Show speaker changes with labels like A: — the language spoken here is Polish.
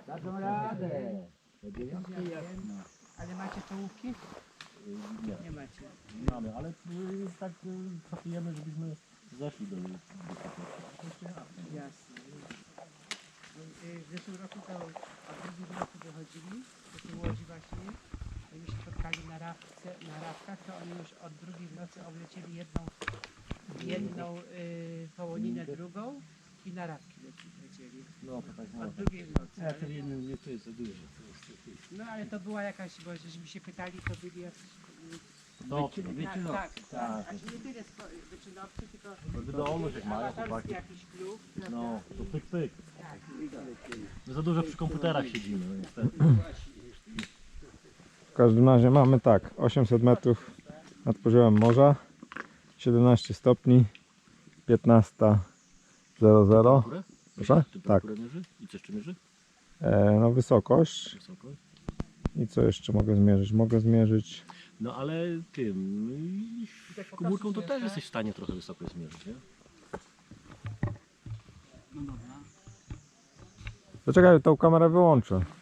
A: Dadzą radę. Dziewiątkę jasno.
B: Ale macie czołówki?
C: Nie,
B: Nie macie.
C: nie mamy, ale tak pracujemy, żebyśmy zeszli do
B: Jasne. W zeszłym roku to, a w drugim roku wychodzili, to tu w Łodzi właśnie, oni się spotkali na rawkach, to oni już od drugiej w nocy oblecieli jedną połoninę, drugą i na rawki lecieli.
C: No to tak
B: Od drugiej w nocy.
A: Ja to jednym nie to jest za dużo.
B: No ale to była jakaś, bo żeśmy się pytali, to byli jacyś...
C: No,
B: Tak,
C: tak.
B: Znaczy nie tyle wyczynowcy, tylko
C: wydolność jak mają
B: amatorski
C: chłopaki.
B: jakiś klub. prawda?
C: No, to pyk pyk.
B: Tak.
C: My za dużo przy komputerach siedzimy, no niestety.
D: W każdym razie mamy tak, 800 metrów nad poziomem morza, 17 stopni, 15:00.
C: Górę?
D: Proszę? Tak.
C: Temperaturę mierzy? I co jeszcze mierzy?
D: No wysokość.
C: Wysoko.
D: I co jeszcze mogę zmierzyć? Mogę zmierzyć.
C: No ale tym, komórką to też jesteś w stanie trochę wysoko zmierzyć, nie?
A: No dobra.
D: Poczekaj, tą kamerę wyłączę.